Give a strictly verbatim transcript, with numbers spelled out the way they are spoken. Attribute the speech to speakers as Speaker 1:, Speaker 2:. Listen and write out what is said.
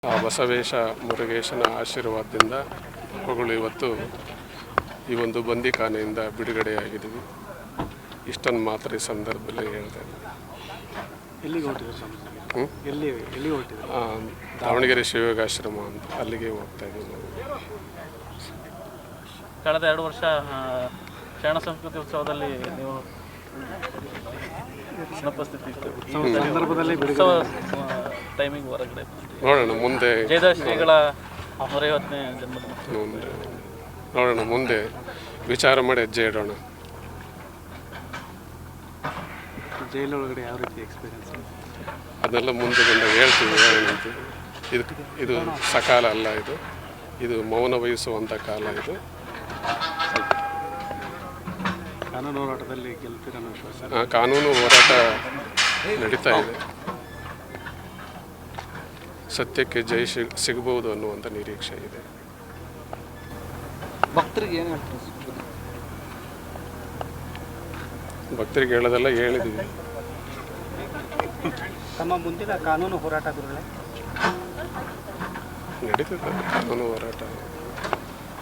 Speaker 1: ಆ ಬಸವೇಶ ಮುರುಗೇಶನ ಆಶೀರ್ವಾದದಿಂದ ಮಕ್ಕಳು ಇವತ್ತು ಈ ಒಂದು ಬಂದಿಖಾನೆಯಿಂದ ಬಿಡುಗಡೆಯಾಗಿದ್ದೀವಿ. ಇಷ್ಟನ್ನು ಮಾತ್ರ ಈ ಸಂದರ್ಭದಲ್ಲಿ ಹೇಳ್ತಾ ಇದ್ದೀನಿ.
Speaker 2: ಎಲ್ಲಿಗೆ ಹೊರಟಿದ್ರು? ಎಲ್ಲಿ ಎಲ್ಲಿಗೆ ಹೊರಟಿದ್ರು?
Speaker 1: ದಾವಣಗೆರೆ ಶಿವಯೋಗಾಶ್ರಮ ಅಂತ ಅಲ್ಲಿಗೆ ಹೋಗ್ತಾ ಇದ್ದೀವಿ ನಾವು.
Speaker 3: ಕಳೆದ ಎರಡು ವರ್ಷ ಶರಣ ಸಂಸ್ಕೃತಿ ಉತ್ಸವದಲ್ಲಿ ನೀವು ಉಪಸ್ಥಿತಿ ಇತ್ತು.
Speaker 2: ಸಂದರ್ಭದಲ್ಲಿ
Speaker 3: ಟೈಮಿಂಗ್ ಹೊರಗಡೆ
Speaker 1: ನೋಡೋಣ ಮುಂದೆ
Speaker 3: ಜಯದಾಸ್ ಶ್ರೀಗಳ ನೂರೈವತ್ತನೇ ಜನ್ಮದಿನ
Speaker 1: ನೋಡೋಣ ಮುಂದೆ ವಿಚಾರ ಮಾಡಿ ಹೆಜ್ಜೆ ಇಡೋಣ.
Speaker 2: ಜೈಲೊಳಗಡೆ ಯಾವ ರೀತಿ ಎಕ್ಸ್ಪೀರಿಯನ್ಸ್?
Speaker 1: ಅದನ್ನೆಲ್ಲ ಮುಂದೆ ಬಂದಾಗ ಹೇಳ್ತೀವಿ. ಏನಂತ ಇದು ಇದು ಸಕಾಲ ಅಲ್ಲ, ಇದು ಇದು ಮೌನ ವಹಿಸುವಂಥ ಕಾಲ. ಇದು
Speaker 2: ಕಾನೂನು ಹೋರಾಟದಲ್ಲಿ ಗೆಲ್ತೀರ ಅನ್ನೋ ವಿಶ್ವಾಸ?
Speaker 1: ಕಾನೂನು ಹೋರಾಟ ನಡೀತಾ ಇದೆ. ಸತ್ಯಕ್ಕೆ ಜಯ ಸಿಗಬಹುದು ಅನ್ನುವಂಥ ನಿರೀಕ್ಷೆ ಇದೆ.
Speaker 2: ಭಕ್ತರಿಗೆ ಏನು ಹೇಳ್ತೀವಿ?
Speaker 1: ಭಕ್ತರಿಗೆ ಹೇಳೋದೆಲ್ಲ ಹೇಳಿದ್ದೀವಿ.
Speaker 2: ತಮ್ಮ ಮುಂದಿನ ಕಾನೂನು ಹೋರಾಟ ಗುರುಗಳೇ
Speaker 1: ನಡೀತದೆ ಕಾನೂನು ಹೋರಾಟ.